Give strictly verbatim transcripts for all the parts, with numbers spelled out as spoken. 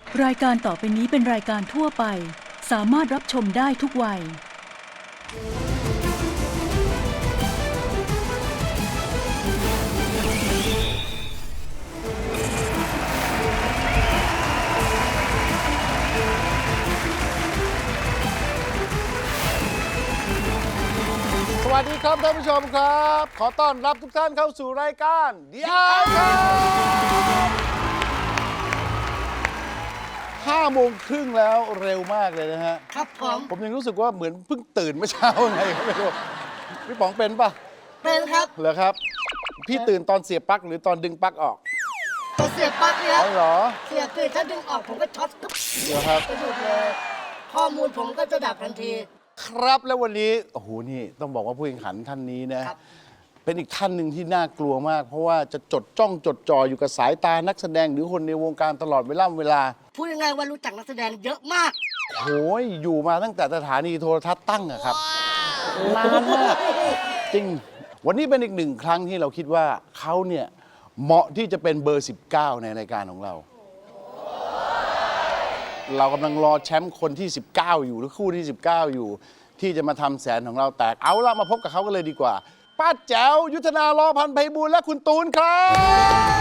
รายการต่อไปนี้เป็นรายการทั่วไปสามารถรับชมได้ทุกวัยสวัสดีครับท่านผู้ชมครับ ขอต้อนรับทุกท่านเข้าสู่รายการเดียวครับห้าโมงครึ่งแล้วเร็วมากเลยนะฮะครับผมผมยังรู้สึกว่าเหมือนเพิ่งตื่นเมื่อเช้าไงก็ไม่รู้พี่ป๋องเป็นปะเป็นครับเหรอครับ พี่ตื่นตอนเสียบปลั๊กหรือตอนดึงปลั๊กออกตัวเสียบปลั๊กเนี่ยอ๋อเหรอเสียบคือถ้าดึงออกผมก็ช็อตปุ๊บเหรอครับไปหยุดเลยข้อมูลผมก็จะดับทันทีครับแล้ววันนี้โอ้โหนี่ต้องบอกว่าผู้แข่งขันท่านนี้นะครับ เป็นอีกท่านหนึ่งที่น่ากลัวมาก เพราะว่าจะจดจ้องจดจ่ออยู่กับสายตานักแสดงหรือคนในวงการตลอดเวลาเวลาพูดยังไงว่ารู้จักนักแสดงเยอะมากโอ้ยอยู่มาตั้งแต่สถานีโทรทัศน์ตั้งอะครับนานมากจริงวันนี้เป็นอีกหนึ่งครั้งที่เราคิดว่าเขาเนี่ยเหมาะที่จะเป็นเบอร์ สิบเก้า ในรายการของเรา เรากำลังรอแชมป์คนที่ สิบเก้า อยู่หรือคู่ที่ สิบเก้า อยู่ ที่จะมาทำแสนของเราแตกเอาละมาพบกับเขากันเลยดีกว่า ป้าแจ๋วยุทธนาล้อพันธ์ไพบูลย์และคุณตูนครับ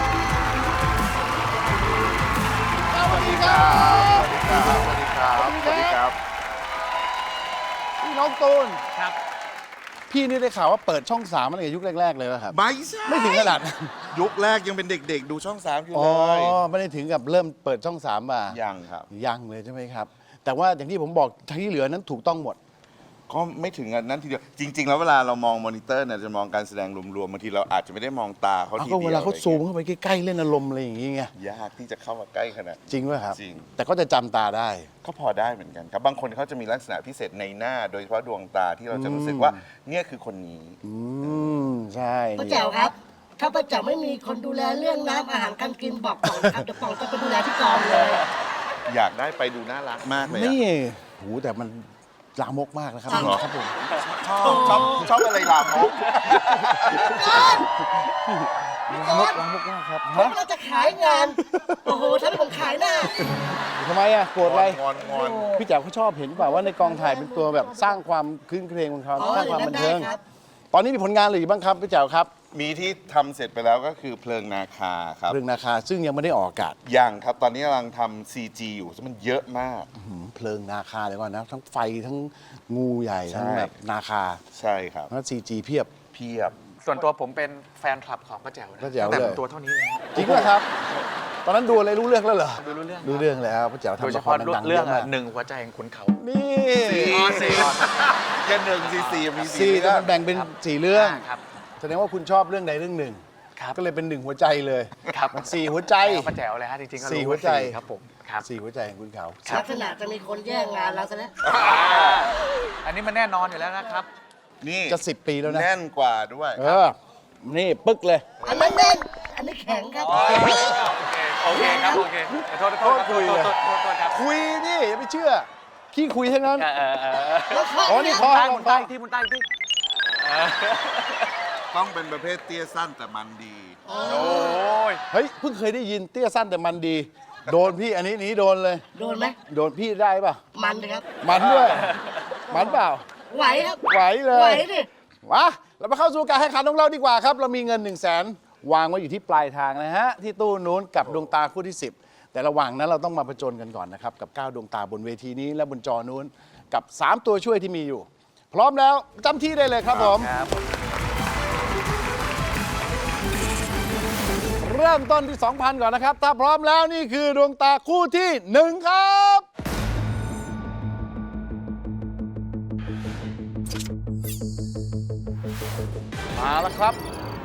สวัสดีครับสวัสดีครับ สวัสดีครับ สวัสดีครับพี่น้องตูนครับพี่นี่ได้ข่าวว่าเปิดช่องสามมาตั้งแต่ยุคแรก ๆ เลยป่ะครับไม่ใช่ไม่ถึงขนาดนั้นยุคแรกยังเป็นเด็กๆ ดูช่องสามอยู่อ๋อเลยไม่ได้ถึงกับเริ่มเปิดช่องสามมายังครับยังเลยใช่ไหมครับ แต่ว่าอย่างที่ผมบอกทั้งที่เหลือนั้นถูกต้องหมดก็ไม่ถึงอันนั้นทีเดียว จริง ๆ แล้วเวลาเรามองมอนิเตอร์เนี่ยจะมองการแสดงรวมๆบางทีเราอาจจะไม่ได้มองตาเขาเอาทีก็เดียวเวลาเขาอะไรซูมงี้ยเข้าไปใกล้ๆเล่นอารมณ์อะไรอย่างงี้ไงยากที่จะเข้ามาใกล้ขนาดจริงป่ะครับจริงแต่ก็จะจำตาได้ก็พอได้เหมือนกันครับ บางคนเขาจะมีลักษณะพิเศษในหน้า โดยเฉพาะดวงตาที่เราจะรู้สึกว่าเนี่ยคือคนนี้อืมใช่ป้าแจ๋วครับ ถ้าป้าแจ๋วไม่มีคนดูแลเรื่องน้ำอาหารการกินบอกป๋องครับเดี๋ยวป๋องจะไปดูแลที่กองเลยอยากได้ไปดูน่ารักมากเลยอะนี่โหแต่มันลามกมากนะครับจริงเหรอครับผมชอบชอบชอบอะไรลามกลามกลามกมากครับผมเราจะขายงาน โอ้โหถ้าผมขายหน้าทำไมอ่ะโกรธอะไรงอนงอนพี่แจ๋วเขาชอบเห็นเปล่าว่าในกองถ่ายเป็นตัวแบบสร้างความคลื้นเครงของเขาอ๋อสร้างความบันเทิงได้ครับตอนนี้มีผลงานอะไรอยู่บ้างครับพี่แจ๋วครับมีที่ทำเสร็จไปแล้วก็คือเพลิงนาคาครับเรื่องนาคาซึ่งยังไม่ได้ออกอากาศยังครับ ตอนนี้กำลังทำ ซี จี อยู่ซึ่งมันเยอะมากหืมเพลิงนาคาเดี๋ยวก่อนนะ ทั้งไฟทั้งงูใหญ่ใช่ทั้งแบบนาคาใช่ครับแล้วซีจีเพียบเพียบส่วนตัวผมเป็นแฟนคลับของป้าแจ๋วนะป้าแจ๋วตั้งแต่เลยผมตัวเท่านี้เองจริงไหมครับ ตอนนั้นดูอะไรรู้เรื่องแล้วเหรอดูรู้เรื่องรู้เรื่องแล้วพระเจ้าโดยทำเฉละคพาะรดังๆเรื่องยะมากหนึ่งหัวใจแห่งขุนเขานี่อ๋อสี่ แค่หนึ่งซีซีมีซีสี่แต่เรื่องมันแบ่งเป็นสี่เรื่องครับแสดงว่าคุณชอบเรื่องใดเรื่องหนึ่งครับก็เลยเป็นหนึ่งหัวใจเลยครับมันสี่หัวใจป้าแจ๋วเลยฮะจริงๆก็รู้สี่หัวใจาครับผมครับสี่หัวใจของคุณเขาลักษณะจะมีคนแย่งงานเราซะแล้วอันนี้มันแน่นอนอยู่แล้วนะครับนี่จะสิบปีแล้วนะแน่นกว่าด้วยเออ นี่ปึ๊กเลยอันนั้นแน่นอันนี้แข็งครับโอเคโอเคครับโอเคขอโทษขอโทษครับคุยโทเลยษโทษโทษโทษครับคุยนี่อย่าไปเชื่อ ขี้คุยทั้งนั้นเออเออเออแล้วข้ออ๋อ นี่คอใต้ลมุงนคใต้อที่มุนใต้ที่ต้องเป็นประเภทเตี้ยสั้นแต่มันดีโอ้ยเฮ้ย เพิ่งเคยได้ยินเตี้ยสั้นแต่มันดี โดนพี่อันนี้หนี้โดนเลยโดนไหมโดนพี่ได้ป่ะมันเลยครับมันด้วย มันเปล่าไหวครับไหวเลไหวย ดิมาเรามาเข้าสู่การแข่งขันของเราดีกว่าครับ เรามีเงิน1นึ่งแสนวางไว้อยู่ที่ปลายทางนะฮะ ที่ตู้นู้นกับดวงตาคู่ที่ สิบ แต่ระหว่างนั้นเราต้องมาผจญกันก่อนนะครับ กับเก้าดวงตาบนเวทีนี้และบนจอนู้นกับสามตัวช่วยที่มีอยู่ พร้อมแล้วจำที่ได้เลยครับผมครับเริ่มต้นที่ สองพัน ก่อนนะครับ ถ้าพร้อมแล้วนี่คือดวงตาคู่ที่หนึ่งครับมาแล้วครับ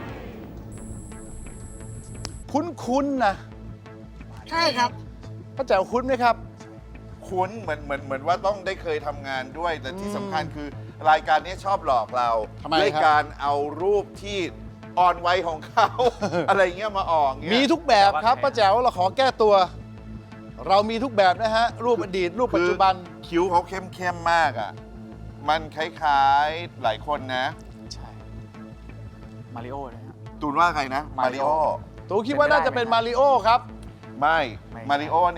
คุ้นๆนะใช่ครับป้าแจ๋วคุ้นไหมครับคุ้นเหมือนเหมือนเหมือนว่าต้องได้เคยทำงานด้วย แต่ที่สำคัญคือรายการนี้ชอบหลอกเราทำไมด้วยครับการเอารูปที่อ่อนวัยของเขา อะไรเงี้ยมาออกเงี้ยมีทุกแบบครับป้าแจ๋วเราขอแก้ตัว เรามีทุกแบบนะฮะ รูปอดีต รูปปัจจุบันคือคิ้วเขาเข้มเข้มๆมากอ่ะ มันคล้ายๆหลายคนนะใช่ มาริโอเลยฮะตูนว่าใครนะ มาริโอมาริโอตูคิดว่าน่าจะเป็นมาริโอครับไม่ไม่มาริโอเนี่ย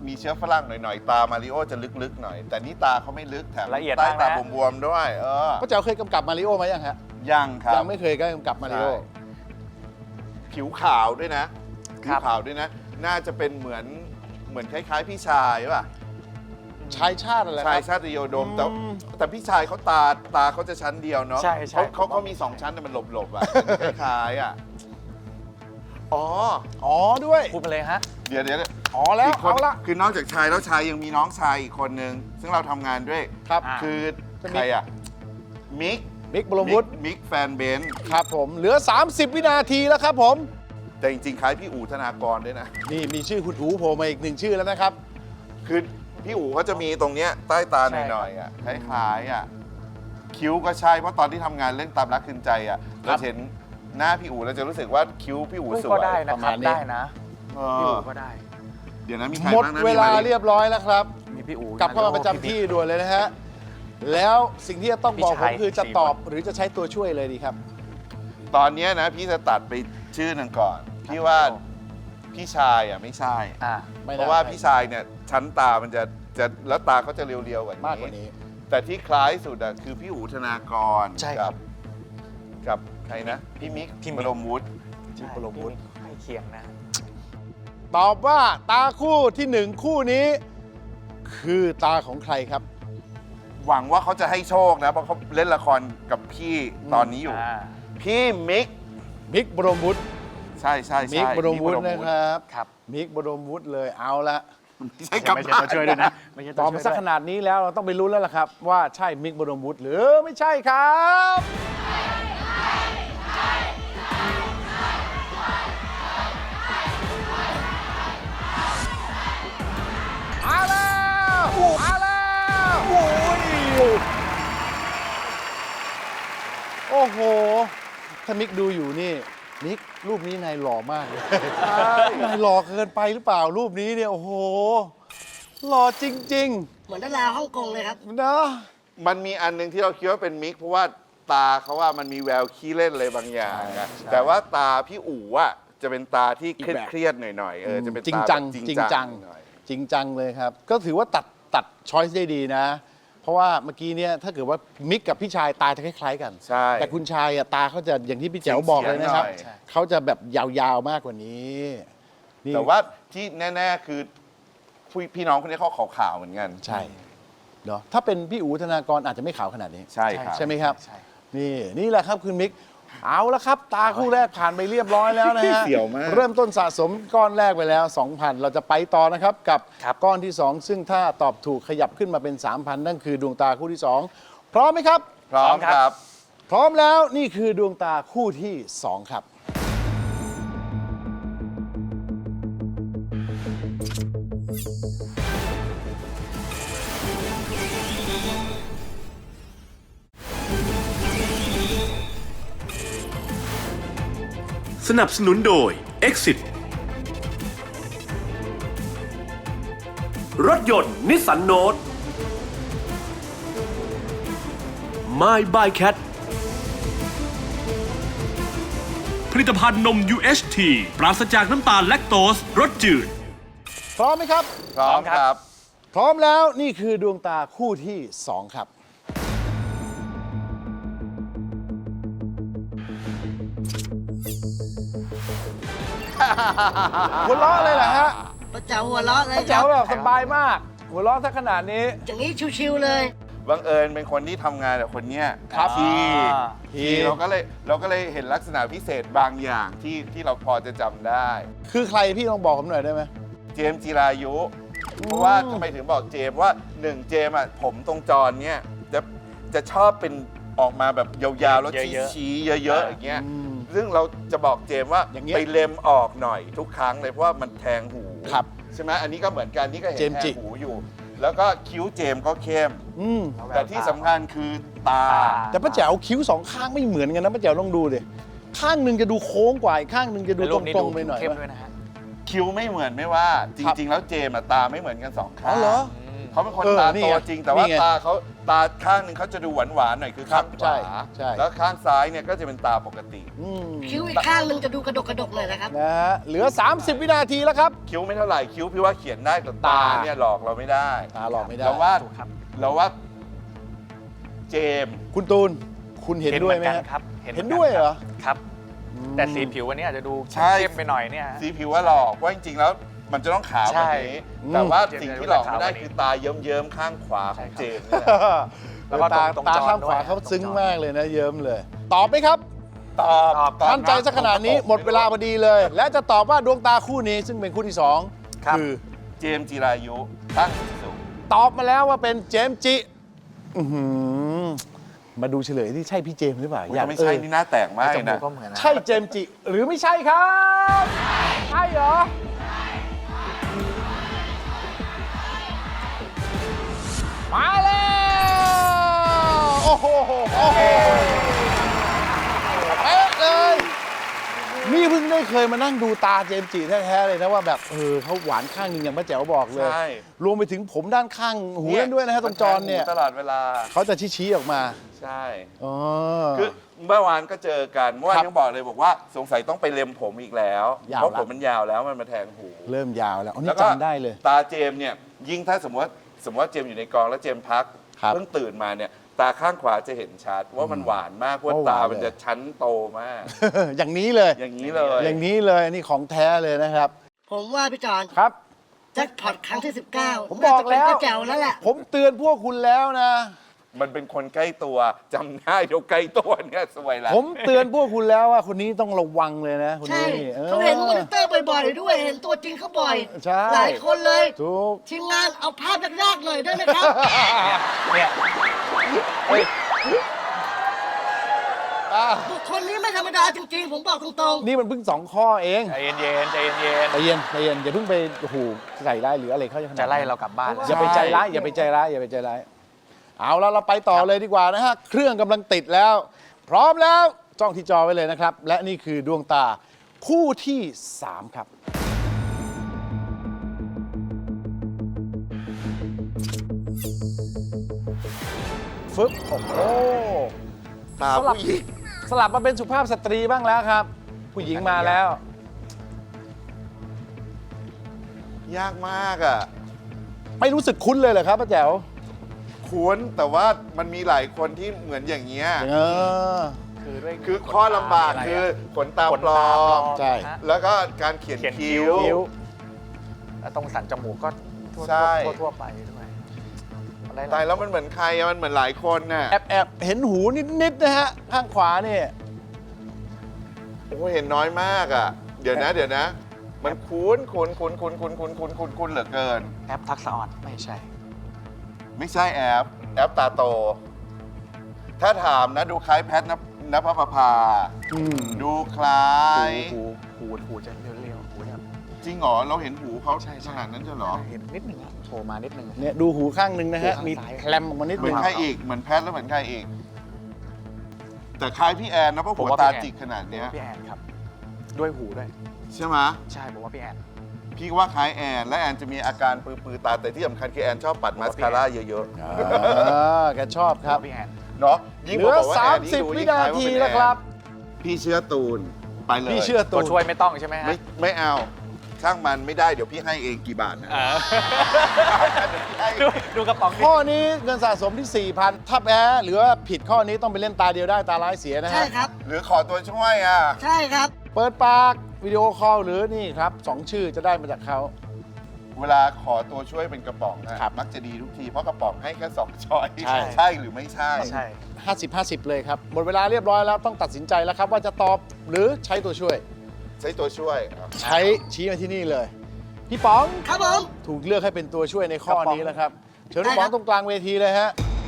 มีเชื้อฝรั่งหน่อยๆ ตามาริโอจะลึกๆหน่อย แต่นี่ตาเขาไม่ลึกแถมละเอียดใต้มากนะตาบวมๆด้วย เออป้าแจ๋วเคยกำกับมาริโอไหมยังฮะยังครับยังไม่เคยก็กำกับมาริโอใช่ผิวขาวด้วยนะ ผิวขาวด้วยนะ น่าจะเป็นเหมือนเหมือนคล้ายๆ พี่ชายป่ะชายชาติอะไรคชายรับชาติโยดม แต่อืมแต่พี่ชายเขาตาตาเขาจะชั้นเดียวเนาะใช่ใช่เขาเขาเขามีสองชั้นแต่มันหลบๆอ่ะ คล้ายๆอ่ะ อ๋ออ๋อด้วยพูดมาเลยฮะเดี๋ยวเดี๋ยวอ๋อแล้วอีกคนเอาละคือนอกจากชายแล้วชายยังมีน้องชายอีกคนนึง ซึ่งเราทำงานด้วยครับอ่าคือเป็นใครอ่ะ มิกมิกบรมวุฒิมิกแฟนเบนซ์ครับผมเหลือ สามสิบ วินาทีแล้วครับผมแต่จริงๆ คล้ายพี่อู๋ธนากรด้วยนะนี่มีชื่อคุณอูโผล่มาอีกหนึ่งชื่อแล้วนะครับคือพี่อู๋เขาจะมีตรงเนี้ยใต้ตาหใช่ครับน่อยๆอ่ะคล้ายๆอ่ะคิ้วก็ใช่เพราะตอนที่ทำงานเรื่องตามรักคืนใจอ่ะเราเห็นหน้าพี่อู๋เราจะรู้สึกว่าคิ้วพี่อู๋สวยก็ได้นะประคมารัณบนี้ได้นะเอพี่ออู๋ก็ได้เดี๋ยวนะมีใครหมดบ้างนะเวลามีมเรียบร้อยแล้วครับมีพี่อู๋กลับเข้ามาประจำที่ด่วนเลยนะฮะ แล้วสิ่งที่จะต้องบอกผมคือจะตอบหรือจะใช้ตัวช่วยเลยดีครับตอนเนี้ยนะพี่จะตัดไปชื่อหนึ่งก่อน พี่ว่าพี่ชายอ่ะไม่ใช่อ่าไม่น่าเพราะว่าใช่พี่ชายเนี่ยชั้นตามันจะจะแล้วตาเขาจะเรียวๆกว่านี้มากกว่านี้แต่ที่คล้ายสุดอะคือพี่อู๋ธนากรใช่ครับกับใครนะ พี่มิกพี่มิบกรมวุฒิที่ปรมวุฒิใกล้เคียงนะตอบว่าตาคู่ที่หนึ่งคู่นี้ คือตาของใครครับหวังว่าเขาจะให้โชคนะ เพราะเขาเล่นละครกับพี่ตอนนี้อยู่อ่าพี่มิกมิกบรมวุฒิใช่ใช่ใช่มิกบรมวุฒิมินะครับครับมิกบรมวุฒิเลยเอาละไม่ใช่กับไม่ใช่ตัวช่วยด้วยนะ ไม่ใช่ตตัวอบช่วมาย สักด้ขวยนาดนี้แล้วเราต้องไปรู้นแล้วล่ะครับ ว่าใช่มิกบรมวุฒิหรือไม่ใช่ครับมาแล้วมาแล้วโอ้ยโอ้โห ถ้ามิกดูอยู่นี่ มิกรูปนี้นายหล่อมากเลยนายหล่อเกินไปหรือเปล่ารูปนี้เนี่ย โอ้โห หล่อจริงเหมือนดาราฮ่องกงเลยครับๆ นะมันมีอันหนึงที่เราคิดว่าเป็นมิก เพราะว่าตาเขาว่ามันมีแววขี้เล่นอะไรบางอย่างอะแต่ว่าตาพี่อู๋อะจะเป็นตาที่เครียดเครียดๆหน่อยๆเออจะเป็นจริงตาจังแบบจริงจังหน่อยจริงจังเลยครับ ก็ถือว่าตัดตัดช้อยส์ได้ดีนะ เพราะว่าเมื่อกี้เนี่ยถ้าเกิดว่ามิกกับพี่ชายตาจะคล้าย ๆ กันใช่แต่คุณชายอะตาเขาจะอย่างที่พี่แจ๋วบอกเลยนะครับเฉียงๆหน่อยเขาจะแบบยาวๆมากกว่านี้นี่แต่ว่าที่แน่ ๆ คือพี่พี่น้องคนนี้เขาขาวๆเหมือนกันใช่เนาะถ้าเป็นพี่อู๋ธนากรอาจจะไม่ขาวขนาดนี้ใช่ครับใช่ไหมครับใช่นี่นี่แหละครับคุณมิก เอาละครับ ตาคู่แรกผ่านไปเรียบร้อยแล้วนะฮะเสี่ยวมากเริ่มต้นสะสมก้อนแรกไปแล้ว สองพัน เราจะไปต่อนะครับ กับครับก้อนที่ สอง ซึ่งถ้าตอบถูกขยับขึ้นมาเป็น สามพัน นั่นคือดวงตาคู่ที่ สอง พร้อมไหมครับพร้อมครับพร้อมแล้วนี่คือดวงตาคู่ที่ สอง ครับสนับสนุนโดย Exit รถยนต์นิสสันโนต My by Cat ผลิตภัณฑ์นม ยู เอช ที ปราศจากน้ำตาลแลคโตสรสจืดพร้อมไหมครับพร้อมครับพร้อมแล้วนี่คือดวงตาคู่ที่ สอง ครับ หัวเราะเลยเหรอฮะประจ๋าหัวเราะเลยแจ๋วแบบสบายมาก หัวเราะซะขนาดนี้อย่างนี้ชิวๆเลยบังเอิญเป็นคนที่ทำงานกับคนเนี้ยครับที่อ่าที่เราก็เลยเราก็เลยเห็นลักษณะพิเศษบางอย่างที่ที่เราพอจะจำได้คือใครพี่ลองบอกผมหน่อยได้ไหมเจมส์จิรายุ เพราะว่าทำไมถึงบอกเจมส์ว่าหนึ่งเจมส์อ่ะผมตรงจรเนี่ยจะจะชอบเป็นออกมาแบบยาวๆ แล้วเยอะๆชี้ๆเยอะๆอย่างเงี้ยอืมซึ่งเราจะบอกเจมส์ว่าอย่างเงี้ยไปเล็มออกหน่อยทุกครั้งเลยเพราะว่ามันแทงหูครับใช่ไหมอันนี้ก็เหมือนกันนี่ก็เห็นเจมส์แทจิงหูอยู่ แล้วก็คิ้วเจมส์ก็เข้มอืมแต่ที่สำคัญคือตาแต่ป้าแจ๋วคิ้วสองข้างไม่เหมือนกันนะป้าแจ๋วลองดูดิ ข้างหนึ่งจะดูโค้งกว่าอีกข้างหนึ่งจะดูในตรูปนี้รดูงๆไปหน่อยเข้มวะด้วยนะฮะคิ้วไม่เหมือนไม่ว่า จครับริง ๆ แล้วเจมส์อะตาไม่เหมือนกันสองข้างอ๋อเหรออืมเขาเป็นคนเออตานี่โตไงจริง แต่ว่านี่ไงตาเขาตาข้างหนึ่งเขาจะดูหวานหวานๆหน่อยคือข้างใช่ขวาใช่แล้วข้างซ้ายเนี่ยก็จะเป็นตาปกติอืมคิ้วอีกข้างหนึ่งจะดูกระดกกระดกหน่อยนะครับนะฮะเหลือ สามสิบ วินาทีแล้วครับคิ้วไม่เท่าไหร่คิ้วพี่ว่าเขียนได้แต่ตาตาเนี่ยหลอกเราไม่ได้ตาหลอกไม่ได้เราว่าเราว่าเจมส์คุณตูนคุณเห็นด้วยไหมเมือฮะนกันครับเห็นด้วยเหรอครับ แต่สีผิววันนี้อาจจะดูใช่เข้มไปหน่อยเนี่ยฮะสีผิวว่าหลอกเพราะจริงๆแล้วมันจะต้องขาวแบบนี้ใช่แต่ว่าอืมสิ่งที่หลอกไม่ได้เจมส์คือตาเยิ้มๆข้างขวาของเจมส์นี่แหละแล้วก็ตาตรงตาจอข้างขวาด้วยเขาซึ้งตรงจอมากเลยนะเยิ้มเลย ตอบไหมครับตอบตอบตอบมั่นใจสักขนาดนี้หมดเวลาพอดีเลย และจะตอบว่าดวงตาคู่นี้ซึ่งเป็นคู่ที่สองครับคือเจมส์จิรายุตั้งสุขตอบมาแล้วว่าเป็นเจมส์จิอื้อหือมาดูเฉลยที่ใช่พี่เจมส์หรือเปล่าถ้าไม่ใช่เออนี่หน้าแตกมากจเลยมูนะกก็เหมือนนะใช่เจมส์จิหรือไม่ใช่ครับใช่เหรอมาแล้วโอ้โหโอ้โหเป๊ะเลยนี่เพิ่งได้เคยมานั่งดูตาเจมส์จิแท้ๆเลยนะว่าแบบเออเขาหวานข้างหนึ่งอย่างป้าแจ๋วบอกเลยใช่รวมไปถึงผมด้านข้างหูนั่นด้วยนะฮะตรงจรเนี่ยตลอดเวลาเขาจะชี้ๆออกมาใช่อ๋อคือเมื่อวานก็เจอกันเมื่อวานครับยังบอกเลยบอกว่าสงสัยต้องไปเล็มผมอีกแล้วยาวเพราะละผมมันยาวแล้วมันมาแทงหูเริ่มยาวแล้วอันนี้แล้วก็จำได้เลยตาเจมส์เนี่ยยิ่งถ้าสมมติว่าสมมติว่าเจมส์อยู่ในกองแล้วเจมส์พักครับเพิ่งตื่นมาเนี่ยตาข้างขวาจะเห็นชัดว่ามันหวานมากเพราะว่าว่าหวานตามันเลยจะชั้นโตมากอย่างนี้เลยอย่างนี้เลยอย่างนี้เลยอันนี้ของแท้เลยนะครับผมว่าพี่จอนครับแจ็คพอตครั้งที่ สิบเก้าผมบอกแล้วน่าจะเป็นป้าแจ๋วแล้วแหละผมเตือนพวกคุณแล้วนะมันเป็นคนใกล้ตัวจำได้เดี๋ยวใกล้ตัวเนี่ยสวยแล้วผมเตือนพวกคุณแล้วว่าคนนี้ต้องระวังเลยนะคนใช่นี้ออเขาเห็นมอนิเตอร์บ่อยๆด้วย เห็นตัวจริงเขาบ่อยใช่หลายคนเลยถูกทีมงานเอาภาพแรกๆเลยได้ไหมครับเนี่ยอ่ะบุคคลนี้ไม่ธรรมดาจริงๆ ผมบอกตรงนี่มันเพิ่งสองข้อเองใจเย็นๆใจเย็นใจเย็นใจเย็นอย่าเพิ่งไปโอ้โหใส่ร้ายหรืออะไรเขาจะขนาดๆนั้นจะไล่เรากลับบ้านแล้วอย่าไปใจร้ายอย่าไปใจร้ายอย่าไปใจร้ายเอาแล้วเราไปต่อเลยดีกว่านะฮะเครื่องกำลังติดแล้ว พร้อมแล้วจ้องที่จอไว้เลยนะครับ และนี่คือดวงตาคู่ที่สามครับ ฟึบโอ้โหตาผู้หญิงสลับมาเป็นสุภาพสตรีบ้างแล้วครับ ผู้หญิงมาแล้วยากมากอ่ะไม่รู้สึกคุ้นเลยเหรอครับป้าแจ๋วคุ้นแต่ว่ามันมีหลายคนที่เหมือนอย่างเงี้ยเออคือด้วยคือข้อลำบากคือขนตาขนปลตาอปลอมมใช่ฮะแล้วก็การเขียนเขียนคิ้คิ้ววคิ้วแล้วตรงสันจมูกก็ทั่วใช่ทั่วทั่วไปด้วยอะไรตายแล้วมันเหมือนใครอะมันเหมือนหลายคนน่ะแอบแอบเห็นหูนิด ๆ นะฮะ ข้างขวานี่โอ้เห็นน้อยมากอ่ะ เดี๋ยวนะ เดี๋ยวนะ มันคุ้นคุ้นคุ้นคุ้นคุ้นคุ้นคุ้นคุ้นคุ้นเหลือเกินแอปทักษะออนไม่ใช่ไม่ใช่แอป แอปตาโต ถ้าถามนะดูคล้ายแพทนภนภพาอืมดูคล้ายหูหูหูจะเรียวๆหูแบบจริงเหรอ เราเห็นหูเขาใช่ใช่ขนาดนั้นใช่เหรอเห็นนิดหนึ่งอะโผล่มานิดหนึ่งอะเนี่ยดูหูข้างหนึ่งนะฮะหูข้างมีซ้ายแคลมออกมานิดเหมืนึอนงใครอีก เหมือนแพทแล้วเหมือนใครอีก แต่คล้ายพี่แอนนะเพราะหัวตาจิกขนาดเนี้ยพี่แอนครับ ด้วยหูด้วยใช่ไหมใช่ผมว่าพี่แอนพี่ว่าคล้ายแอน และแอนจะมีอาการปือๆตา แต่ที่สำคัญคือแอนชอบปัดมาสคาร่าเยอะอ่าแกชอบครับพี่แอนๆ เนาะยิ่งเหพลือบอกว่าแอนยิ่งดู 30 วิยิ่งนาคล้ายว่าทีเป็นแล้วแอนครับพี่เชื่อตูน ไปเลยพี่เชื่อตัตัว วช่วยไม่ต้องใช่ไหมฮะไม่ไม่เอา ช่างมันไม่ได้เดี๋ยวพี่ให้เองกี่บาทนะอ่าดูดูกระป๋องดิข้อนี้เงินสะสมที่ สี่พัน ถ้าแพ้หรือว่าผิดข้อนี้ต้องไปเล่นตาเดียวได้ตาร้ายเสียนะๆ ใช่ฮะครับหรือขอตัวช่วยอ่ะใช่ครับเปิดปากวิดีโอคอลหรือนี่ครับสองชื่อจะได้มาจากเขาเวลาขอตัวช่วยเป็นกระป๋องนะครับ มักจะดีทุกที เพราะกระป๋องให้แค่สองช้อยใช่ใช่หรือไม่ใช่ใช่ห้าสิบ ห้าสิบ เลยครับ หมดเวลาเรียบร้อยแล้วต้องตัดสินใจแล้วครับ ว่าจะตอบหรือใช้ตัวช่วยใช้ตัวช่วยอ่ะใช้ชี้มาที่นี่เลย พี่ป๋องครับผมถูกเลือกให้เป็นตัวช่วยในข้อกระป๋องนี้แล้วครับ เชิญพี่ป๋องตรงกลางเวทีเลยฮะ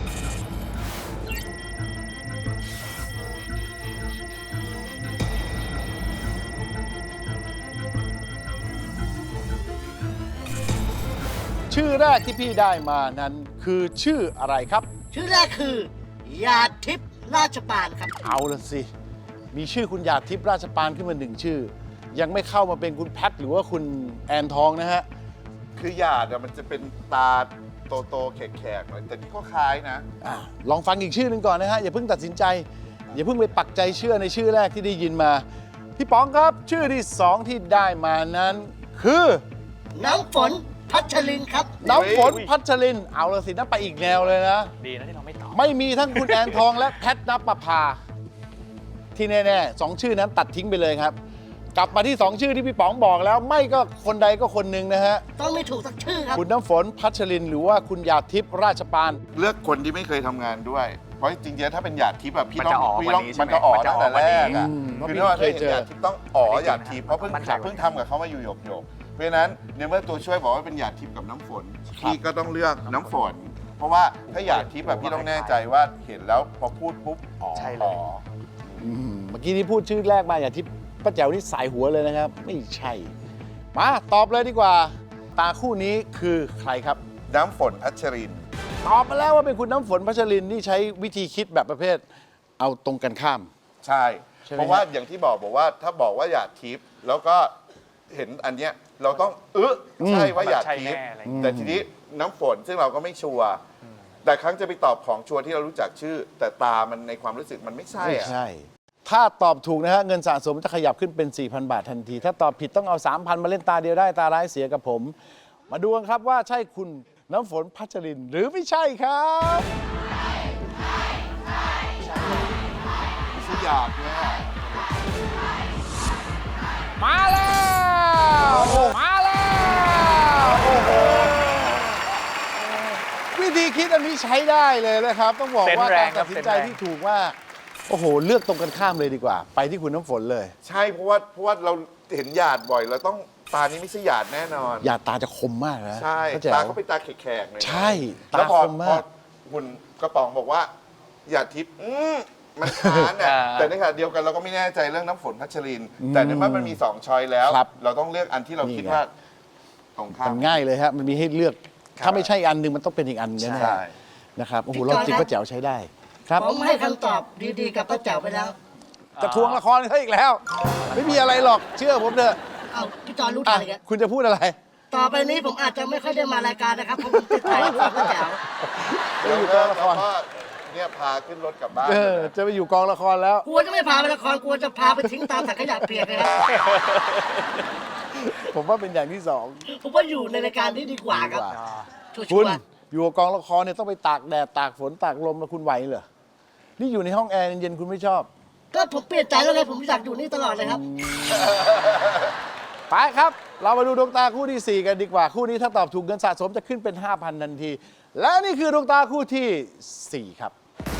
ชื่อแรกที่พี่ได้มานั้นคือชื่ออะไรครับชื่อแรกคือ ยาทิพย์ราชปานครับเอาละสิ มีชื่อคุณหยาดทิพย์ราชปานขึ้นมาหนึ่งชื่อ ยังไม่เข้ามาเป็นคุณแพทหรือว่าคุณแอนทองนะฮะคือหยาดอะมันจะเป็นตาโตๆแขกๆหน่อยแต่นี่ก็คล้ายนะอ่ะลองฟังอีกชื่อหนึ่งก่อนนะฮะอย่าเพิ่งตัดสินใจ อย่าเพิ่งไปปักใจเชื่อในชื่อแรกที่ได้ยินมาพี่ป๋องครับชื่อที่สองที่ได้มานั้น คือน้ำฝนพัชรินครับน้ำฝนพัชรินเอาละสินะไปอีกแนวเลยนะดีนะที่เราไม่ตอบไม่มีทั้งคุณแอนทองและแพทนปภาที่แน่ๆสองชื่อนั้นตัดทิ้งไปเลยครับ กลับมาที่สองชื่อที่พี่ป๋องบอกแล้ว ไม่ก็คนใดก็คนหนึ่งนะฮะต้องไม่ถูกสักชื่อครับคุณน้ำฝนพัชรินหรือว่าคุณหยาดทิพย์ราชปานเลือกคนที่ไม่เคยทำงานด้วย เพราะจริงๆถ้าเป็นหยาดทิพย์แบบพี่มันต้จะองอ๋อพี่ต้องกว่านี้ใช่ไหมมันจะอ๋อมันจะตั้งอ๋อแต่กว่านี้แรกอ่ะอืมคือถ้าว่าเคยเจอหยาดทิพย์ต้องอ๋อหยาดทิพย์เพราะเพิ่งมั่นใจเพิ่งทำกับเขามาอยู่หยกหยกๆเพราะฉะนั้นในเมื่อตัวช่วยบอกว่าเป็นหยาดทิพย์กับน้ำฝนพี่ก็ต้องเลือกน้ำฝน เพราะว่าถ้าหยาดทิพย์แบบพี่ต้องแน่ใจว่าเห็นแล้วพอพูดปุ๊บอ๋อใช่เลยอ๋ออืมเมื่อกี้นี้พูดชื่อแรกมาอย่าทิพย์ป้าแจ๋วนี่สายหัวเลยนะครับ ไม่ใช่ มาตอบเลยดีกว่า ตาคู่นี้คือใครครับน้ำฝนพัชรินตอบมาแล้วว่าเป็นคุณน้ำฝนพัชรินที่ใช้วิธีคิดแบบประเภท เอาตรงกันข้ามใช่ใช่ไหมเพราะว่าอย่างที่บอกบอกว่าถ้าบอกว่าหยาดทิพย์แล้วก็เห็นอันเนี้ยเราต้องเออใช่ว่าหยาดทิพย์ใช่แน่อะไรอย่างเงี้ยแต่ทีนี้น้ำฝนซึ่งเราก็ไม่ชัวร์แต่ครั้งจะไปตอบของชัวร์ที่เรารู้จักชื่อ แต่ตามันในความรู้สึกมันไม่ใช่ไม่อะใช่ ถ้าตอบถูกนะฮะเงินสะสมจะขยับขึ้นเป็น สี่พัน บาททันที ถ้าตอบผิดต้องเอา สามพัน มาเล่นตาเดียวได้ตาร้ายเสียกับผม มาดูกันครับว่าใช่คุณน้ำฝนพัชรินหรือไม่ใช่ครับชื่อหยาดเนี่ยมาแล้วมาแล้วโอ้โหวิธีคิดอันนี้ใช้ได้เลยนะครับ ต้องบอกว่าเซนส์แรการงครัตับดสินใจเซนส์แรงที่ถูกมากโอ้โห เลือกตรงกันข้ามเลยดีกว่า ไปที่คุณน้ำฝนเลยใช่เพราะว่าเพราะว่าเราเห็นหยาดบ่อยเราต้องตานี้ไม่ใช่หยาดแน่นอนอย่าตาจะคมมากนะใช่เข้าใจตาเขาเป็นตาแขกๆเลยนะใช่แล้วตาพอคมพอมากคุณกระป๋องบอกว่าหยาดทิพย์อืมมันค้านอ่ะอ่าแต่ในขณะเดียวกันเราก็ไม่แน่ใจเรื่องน้ำฝนพัชริน แต่ในเมื่อมันมีสองช้อยแล้วครับเราต้องเลือกอันที่เรานี่คิดไงว่าตรงข้ามัมนง่ายเลยครับมันมีให้เลือก ถ้าไม่ใช่อันหนึ่งมันต้องเป็นอีกอันแน่ใช่ๆนะครับโอ้โหพี่เราจอยจิกครับก็แจ๋วใช้ได้ ครับผมให้คำตอบดีๆกับป้าแจ๋วไปแล้วจะทวงละครเขาอีกแล้ว ไม่มีอะไรหรอกเชื่อผมเถอะเอาพี่จอยรู้อ่ะทันเลยครับคุณจะพูดอะไรต่อไปนี้ผมอาจจะไม่ค่อยได้มารายการนะครับเพราะผมติดใจกับป้าแจ๋วจะอยู่กองละครแล้วก็เนี่ยพาขึ้นรถกลับบ้านเออจะไปอยู่กองละครแล้วกลัวจะไม่พาไปละครกลัวจะพาไปทิ้งตามถังขยะเปียกเลยครับผมว่าเป็นอย่างที่สองผมว่าอยู่ในรายการนี้ดีกว่าครับดีกว่าชัวคุณร์อยู่กับกองละครเนี่ยต้องไปตากแดดตากฝนตากลมแล้วคุณไหวเหรอ นี่อยู่ในห้องแอร์เย็นๆคุณไม่ชอบๆก็ผมเปลี่ยนใจแล้วไงผมอยากอยู่นี่ตลอดเลยครับไปครับ เรามาดูดวงตาคู่ที่ สี่ กันดีกว่า คู่นี้ถ้าตอบถูกเงินสะสมจะขึ้นเป็น ห้าพัน ทันที และนี่คือดวงตาคู่ที่ สี่ ครับ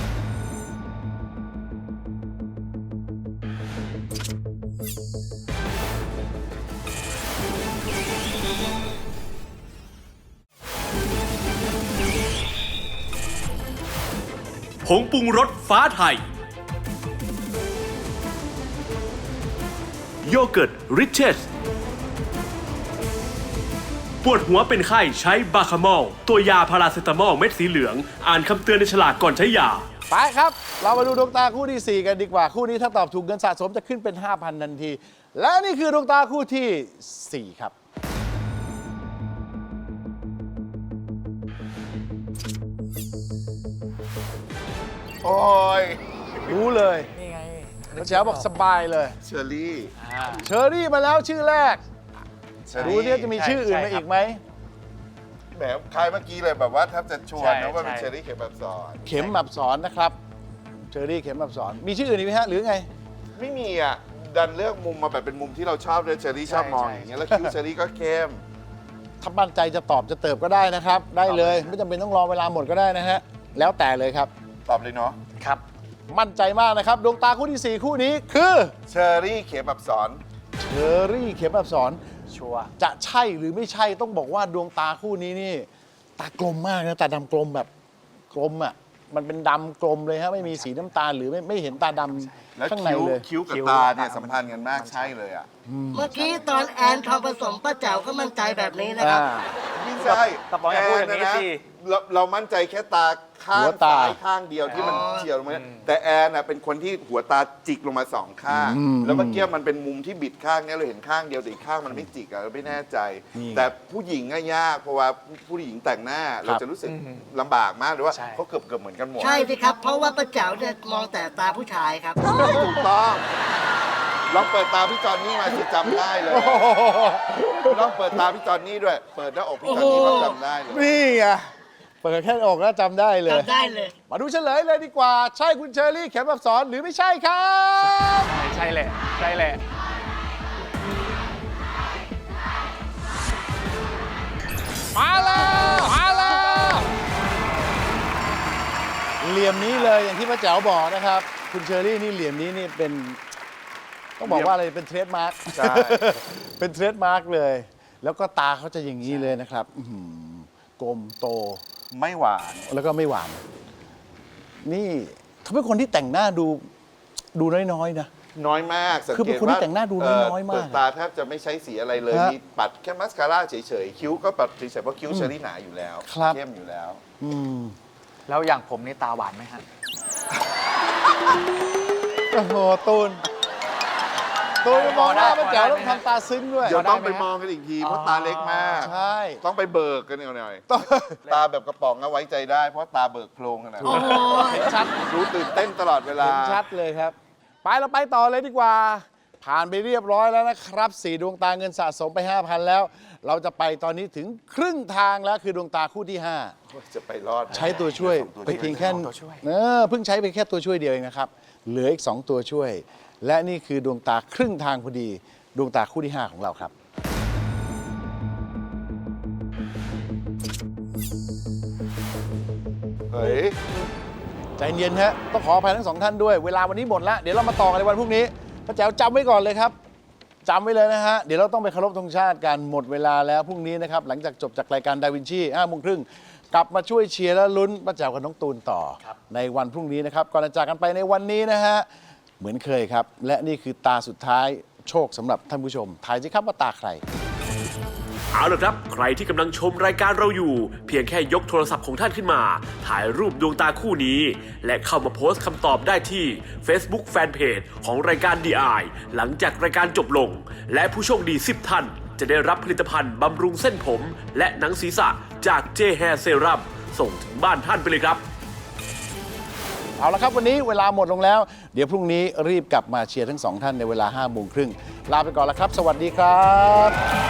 ผงปรุงรสฟ้าไทย โยเกิร์ตริชเชส ปวดหัวเป็นไข้ใช้บาคาโมล ตัวยาพาราเซตามอลเม็ดสีเหลือง อ่านคำเตือนในฉลากก่อนใช้ยาไปครับ เรามาดูดวงตาคู่ที่ สี่ กันดีกว่า คู่นี้ถ้าตอบถูกเงินสะสมจะขึ้นเป็น ห้าพัน ทันที และนี่คือดวงตาคู่ที่ สี่ ครับโอ้ยรู้เลยนี่ไงป้าแจ๋วบอกสบายเลยเชอรี่อ่าเชอรี่มาแล้วชื่อแรกเชอดูรี่เนี่ยจะมีชื่ออื่นใช่มาใช่อีกไหมแหมคล้ายเมื่อกี้เลยแบบว่าแทบจะชวนใช่นะว่าเป็นใช่เชอรี่เข็มแบบสอนเข็มแบบสอนนะครับ เชอรี่เข็มแบบสอน มีชื่ออื่นอีกไหมฮะ หรือไงไม่มีอ่ะ ดันเลือกมุมมาแบบเป็นมุมที่เราชอบเลยเชอรี่ชอบมองใช่อย่างเงี้ยแล้วคิ้วเชอรี่ก็เข้มถ้ามั่นใจจะตอบจะเติบก็ได้นะครับ ได้เลย ไม่จำเป็นต้องรอเวลาหมดก็ได้นะฮะ แล้วแต่เลยครับตอบเลยเนาะครับมั่นใจมากนะครับ ดวงตาคู่ที่ สี่ คู่นี้คือเชอรี่เข็มแบบสอนเชอรี่เข็มแบบสอนชัวร์จะใช่หรือไม่ใช่ต้องบอกว่าดวงตาคู่นี้นี่ ตากลมมากนะตาดำกลมแบบกลมอ่ะ มันเป็นดำกลมเลยฮะไม่มีสีน้ำตาลหรือไม่ไม่เห็นตาดแล้วำข้างในคิ้วเลยคิ้วกับคิ้วตาเนี่ยสัมพันธ์กันมากใช่เลยอ่ะเมื่อกี้ตอนแอนทองผสมป้าแจ๋วก็มั่นใจแบบนี้นะครับอ่ามีสใช่กระป๋องอย่าพูดอย่างนี้สิเราเรามั่นใจแค่ตาข้างหัวตาซ้ายข้างเดียวที่มันเฉียวลงมาแต่แอนน่ะเป็นคนที่หัวตาจิกลงมาสองข้าง แล้วเมื่อกี้มันเป็นมุมที่บิดข้างเนี้ยเราเห็นข้างเดียวแต่อีกข้างมันไม่จิกอะเราไม่แน่ใจ แต่ผู้หญิงอะยากเพราะว่าผู้หญิงแต่งหน้าเราจะรู้สึกลำบากมากหรือว่าใช่เขาเกือบเกือบเหมือนกันหมดใช่สิครับ เพราะว่าป้าแจ๋วเนี่ยมองแต่ตาผู้ชายครับถูกต้องลองเปิดตาพี่จอนนี่มาสิจำได้เลยลองเปิดตาพี่จอนนี่ด้วย เปิดหน้าอกพี่จอนนี่ก็จำได้เลยนี่ไงเปิดแค่อกแล้วจำได้เลยจำได้เลยมาดูเฉลยเลยดีกว่า ใช่คุณเชอรี่เข็มอับสรหรือไม่ใช่ครับใช่แหละ ใช่แหละมาแล้วมาแล้วเหลี่ยมนี้เลยอย่างที่พระเจ้าบอกนะครับ คุณเชอรี่นี่เหลี่ยมนี้นี่เป็นต้องบอกว่าอะไรเป็นเทรดมาร์กใช่เป็นเทรดมาร์กเลย แล้วก็ตาเขาจะอย่างนี้เลยนะครับอื้อหือกลมโตไม่หวานแล้วก็ไม่หวาน นี่เขาเป็นคนที่แต่งหน้าดูดูน้อยๆนะน้อยมากสังคือเกเป็นตคนที่ว่าแต่งหน้าดูน้อยๆมากเปิดตาแทบจะไม่ใช้สีอะไรเลยฮะมีปัดแค่มัสคาร่าเฉยๆคิ้วก็ปัดเฉยๆเพราะคิ้วเชอรี่หนาอยู่แล้วครับเข้มอยู่แล้วอืมแล้วอย่างผมนี่ตาหวานไหมฮะโอ้โหตูนตูนมองหน้าพระเจ้าต้องทำตาซึ้งด้วยเดี๋ยวต้องไปได้ไหมฮะมองกันอีกทีเพราะตาเล็กมากใช่ต้องไปเบิกกันหน่อยต้องๆตาแบบกระป๋องเอาไว้ใจได้เพราะตาเบิกโพรงขนาดโอ้นั้นโหเห็นชัดรู้ตื่นเต้นตลอดเวลาเห็นชัดเลยครับ ไปเราไปต่อเลยดีกว่า ผ่านไปเรียบร้อยแล้วนะครับสี่ดวงตาเงินสะสมไป ห้าพัน แล้ว เราจะไปตอนนี้ถึงครึ่งทางแล้วคือดวงตาคู่ที่ ห้าจะไปรอดไหมใช้ตัวช่วยตัวไปเพียงแค่ตัวช่วยเออเพิ่งใช้ไปแค่ตัวช่วยเดียวเองนะครับ เหลืออีก สอง ตัวช่วย และนี่คือดวงตาครึ่งทางพอดี ดวงตาคู่ที่ ห้า ของเราครับเฮ้ยใจเย็นฮะต้องขออภัยทั้งสองท่านด้วย เวลาวันนี้หมดแล้ว เดี๋ยวเรามาต่อกันในวันพรุ่งนี้พระแจ๋วจำไว้ก่อนเลยครับจำไว้เลยนะฮะ เดี๋ยวเราต้องไปเคารพธงชาติกันหมดเวลาแล้วพรุ่งนี้นะครับ หลังจากจบจากรายการดาวินชีห้าโมงครึ่งกลับมาช่วยเชียร์และลุ้นพระแจ๋วกับน้องตูนต่อ ในวันพรุ่งนี้นะครับ ก่อนจะจากกันไปในวันนี้นะฮะ เหมือนเคยครับ และนี่คือตาสุดท้ายโชคสำหรับท่านผู้ชมทายสิครับว่าตาใครเอาละครับ ใครที่กำลังชมรายการเราอยู่ เพียงแค่ยกโทรศัพท์ของท่านขึ้นมา ถ่ายรูปดวงตาคู่นี้ และเข้ามาโพสต์คำตอบได้ที่ Facebook Fanpage ของรายการ ดี ไอ หลังจากรายการจบลง และผู้โชคดี สิบ ท่าน จะได้รับผลิตภัณฑ์บำรุงเส้นผม และหนังศีรษะจาก J Hair Serum ส่งถึงบ้านท่านไปเลยครับเอาละครับวันนี้เวลาหมดลงแล้ว เดี๋ยวพรุ่งนี้รีบกลับมาเชียร์ทั้งสองท่านในเวลาห้าโมงครึ่งลาไปก่อนแล้วครับ สวัสดีครับ